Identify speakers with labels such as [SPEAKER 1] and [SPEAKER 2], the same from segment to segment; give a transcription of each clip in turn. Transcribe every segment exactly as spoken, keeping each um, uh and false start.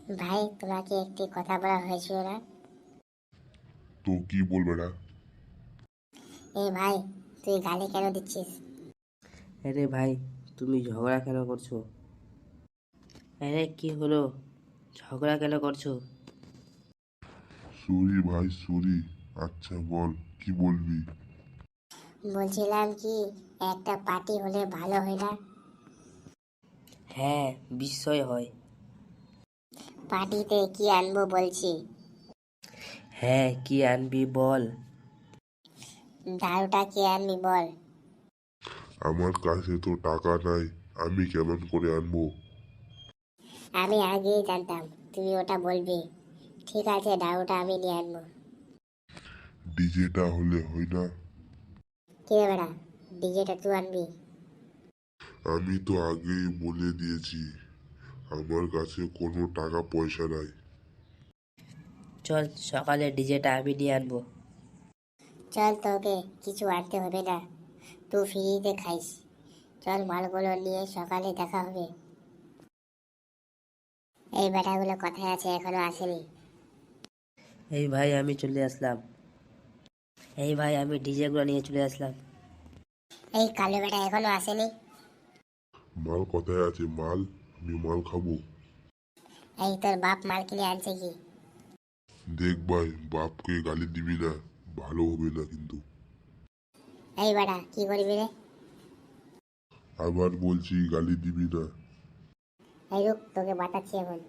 [SPEAKER 1] ভাই তোমাকে একটি কথা বলা হয়েছিল না?
[SPEAKER 2] তো কি বলবে না?
[SPEAKER 1] এই ভাই, তুই গালি কেন দিচ্ছিস?
[SPEAKER 3] আরে ভাই, তুমি ঝগড়া কেন করছো? আরে কি হলো, ঝগড়া কেন করছো?
[SPEAKER 2] সরি ভাই, সরি। আচ্ছা বল, কি বলবি?
[SPEAKER 1] বলছিলাম কি, একটা পার্টি হলে ভালো হয় না?
[SPEAKER 3] হ্যাঁ, বিস্ময় হয়।
[SPEAKER 1] পার্টিতে কি আনবো বলছি?
[SPEAKER 3] হ্যাঁ, কি আনবি বল?
[SPEAKER 1] দারুটা কি আনবি বল?
[SPEAKER 2] আমার কাছে তো টাকা নাই, আমি কেমন করে আনবো?
[SPEAKER 1] আমি আগেই জানতাম তুমি ওটা বলবি। ঠিক আছে, দারুটা আমি নিয়ে আনবো।
[SPEAKER 2] ডিজেটা হলে হয় না?
[SPEAKER 1] কি রে বেড়া, ডিজেটা তুই আনবি?
[SPEAKER 2] আমি তো আগেই বলে দিয়েছি, আমার কাছে কোনো টাকা পয়সা নাই।
[SPEAKER 3] চল সকালে ডিজেটা আমি নিয়ে আনবো।
[SPEAKER 1] চল, তোকে কিছু আনতে হবে না, তুই ফ্রিতে খাইস। চল, মালগুলো নিয়ে সকালে দেখা হবে। এই বেটাগুলো কোথায় আছে, এখনো আসেনি?
[SPEAKER 3] এই ভাই, আমি চলে আসলাম। এই ভাই, আমি ডিজেগুলো নিয়ে চলে আসলাম।
[SPEAKER 1] এই কালো বেটা এখনো আসেনি?
[SPEAKER 2] মাল কোথায় আছে? মাল, আমি মাল খাবো।
[SPEAKER 1] এই তোর বাপ মাল কিনে আনছে কি?
[SPEAKER 2] দেখ ভাই, বাপকে গালি দিবি না, ভালো হবে না কিন্তু।
[SPEAKER 1] এই বেটা কি করবি রে?
[SPEAKER 2] আবার বলছি, গালি দিবি না।
[SPEAKER 1] এই রুক, তোকে বাতাচ্ছি এখন।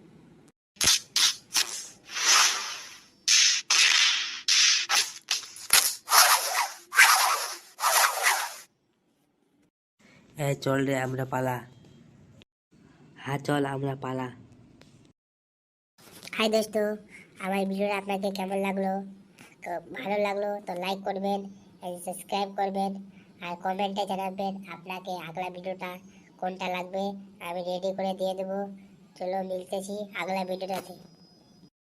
[SPEAKER 3] হ্যাঁ চল রে, আমরা পালা। হ্যাঁ চল, আমরা পালা।
[SPEAKER 1] হাই দোস্ত, আমার ভিডিওটা আপনাকে কেমন লাগলো? তো ভালো লাগলো তো লাইক করবেন, সাবস্ক্রাইব করবেন, আর কমেন্টে জানাবেন আপনাকে আগলা ভিডিওটা কোনটা লাগবে। আমি রেডি করে দিয়ে দেবো। চলো, মিলতেছি আগলা ভিডিওটাতে।